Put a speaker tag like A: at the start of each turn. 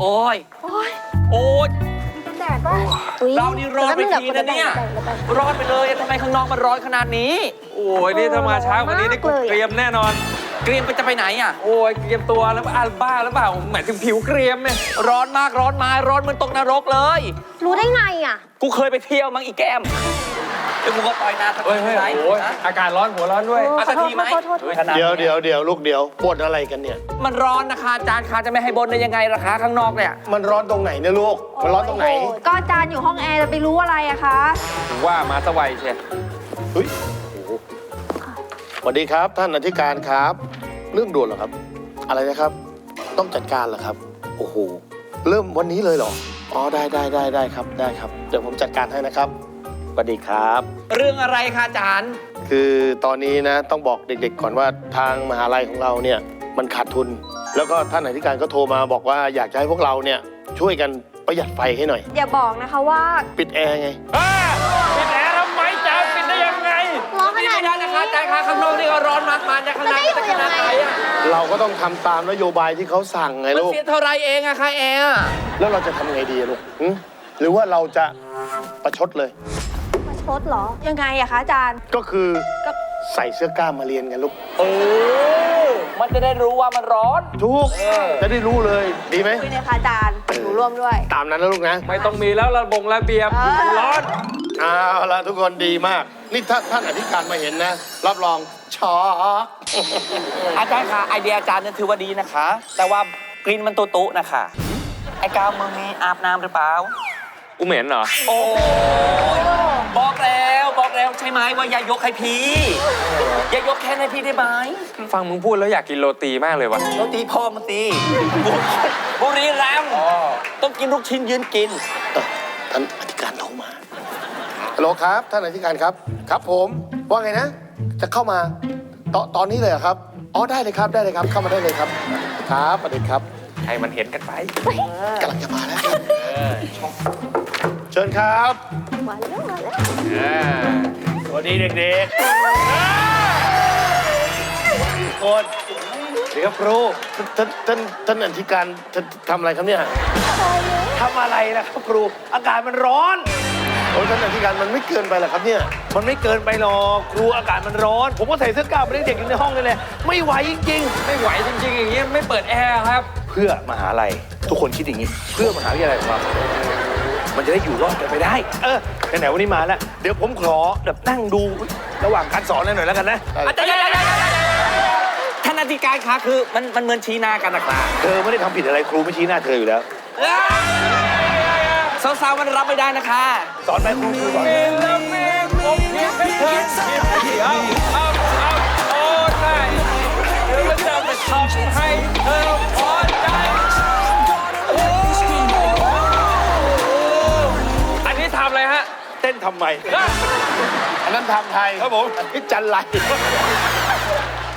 A: โอ้ยโอ้ย
B: แดดป่ะ
A: เรานี่ร้อนไปทีนะเนี่ยร้อนไปเลยทำไมข้างนอกมันร้อนขนาดนี้
C: โอ้ยนี่ถ้ามาเช้ากว่านี้นี่กูเกรียมแน่นอน
A: เกรียมจะไปไหนอ่ะ
C: โอ้ยเกรียมตัวแล้วบ้าหรือเปล่าหมายถึงผิวเกรียมเนี่ย
A: ร้อนมากร้อนมาร้อนเหมือนตกนรกเลย
B: รู้ได้ไงอ่ะ
A: กูเคยไปเที่ยวมั้งอีแก้มเดี๋ยวกูก็ปล่อยนาสัก
C: เฮ้ย
A: ที
C: เฮ้ยโอ้ยอากาศร้อนหัวร้อนด้วย
A: สักทีไหม
D: เดี๋ยวลูกเดี๋ยวปวดอะไรกันเนี่ย
A: มันร้อนนะคะอาจารย์คะจะไม่ให้บนได้ยังไงล่ะคะข้างนอกเนี่ย
D: มันร้อนตรงไหนเนี่ยลูก มันร้อนตรงไหน
B: ก็อาจารย์อยู่ห้องแอร์จะไปรู้อะไรอะคะ
C: ถึงว่ามาสวัยเชีย
D: เฮ้ยสวัสดีครับท่านอธิการครับ เรื่องด่วนเหรอครับ อะไรนะครับ ต้องจัดการเหรอครับ โอ้โห เริ่มวันนี้เลยเหรอ อ๋อได้ครับได้ครับ เดี๋ยวผมจัดการให้นะครับ สวัสดีครับ
A: เรื่องอะไรคะอาจารย์
D: คือตอนนี้นะต้องบอกเด็กๆก่อนว่าทางมหาลัยของเราเนี่ยมันขาดทุน แล้วก็ท่านอธิการก็โทรมาบอกว่าอยากจะให้พวกเราเนี่ยช่วยกันประหยัดไฟให้หน่อย
B: อย่าบอกนะคะว่า
D: ปิดแอร์ไง
C: ปิดแอร์ทำไมจ๊ะปิดได้ยังไง
B: ร้อนข
A: ไม่
B: นาด
A: ได้
B: นี้
A: นะคะอาจารย์คะข้างนอกนี่ก็ร้อนมากมาจากข้างในจะขนาดไหนอะ
D: เราก็ต้องทำตามนโยบายที่เขาสั่งไง
A: มัน
D: ลูก
A: เสียเท่าไรเองอะคะแอร์
D: แล้วเราจะทำไงดีอะลูกหรือว่าเราจะประชดเลย
B: มาชดเหรอ ยังไงอะคะอาจารย์
D: ก็คือใส่เสื้อกล้ามมาเรียนกันลูก
A: มันจะได้รู้ว่ามันร้อน
D: ทุกจะได้รู้เลยดีไหม
B: คุยเลยค่ะอาจารย์หนูร่วมด้วย
D: ตามนั้นนะลูกนะ
C: ไม่ต้องมีแล้วระเบียบร้อน
D: เอาละทุกคนดีมาก นี่ถ้าท่านอธิการมาเห็นนะ รับรองช็อก
A: อาจารย์คะไอเดียอาจารย์เนี่ยถือว่าดีนะคะ แต่ว่ากลิ่นมันตุๆนะคะไอ้กาวมึงมีอาบน้ำหรือเปล่า
C: กูเหม็นเหรอ
A: โอ้ยบอกแล้วใช่ไหมว่าอย่ายกให้พี่อย่ายกแค่ให้พี่ได้ไหม
C: ฟังมึงพูดแล้วอยากกินโรตีมากเลยว่ะ
A: โรตีพ่อมันตีบุรีรัมย์ต้องกินลูกชิ้นยืนกิน
D: ท่านอธิการโทรมาฮัลโหลครับ ท่านอธิการครับ ครับผมว่าไงนะ จะเข้ามาตอนนี้เลยเหรอครับอ๋อได้เลยครับเข้ามาได้เลยครับครับสวัสดีครับ
C: ให้มันเห็นกันไป
D: กำลังจะมาแล้วครับเชิญครับ
B: มาแล้ว
D: สวัสดีเด็กๆคนเดี๋ยวครูท่านอธิการทำอะไรครับเนี่ยทำอะไรนะครับครูอากาศมันร้อนโอ้ท่านอธิการมันไม่เกินไปหรอครับเนี่ยมันไม่เกินไปหรอกครูอากาศมันร้อน ผมก็ใส่เสื้อกล้ามไปเด็กอยู่ในห้องนี่แหละไม่ไหวจริงๆ
C: ไม่ไหวจริงๆอย่างนี้ไม่เปิดแอร์ครับ
E: เพื่อมหาลัยทุกคนคิดอย่างนี้ เพื่อมหาวิทยาลัยของเรามันจะได้อยู่รอดกันไปได้ ไหนๆวันนี้มาแล้ว เดี๋ยวผมขอแบบนั่งดูระหว่างการสอนหน่อยแล้วกันนะ
A: อาจารย์ท่านอธิการคะคือมันเหมือนชี้หน้ากันนะครับ
E: เธอไม่ได้ทำผิดอะไรครูไม่ชี้หน้าเธออยู่แล้ว
A: สาวๆมันรับไม่ได้นะคะ
E: สอนไหมครูสอน
C: อันนี้ทำอะไรฮะ
E: เต้นทำไม
D: อันนั้นทำไทย
E: ครับผม
D: อันนี้จันไร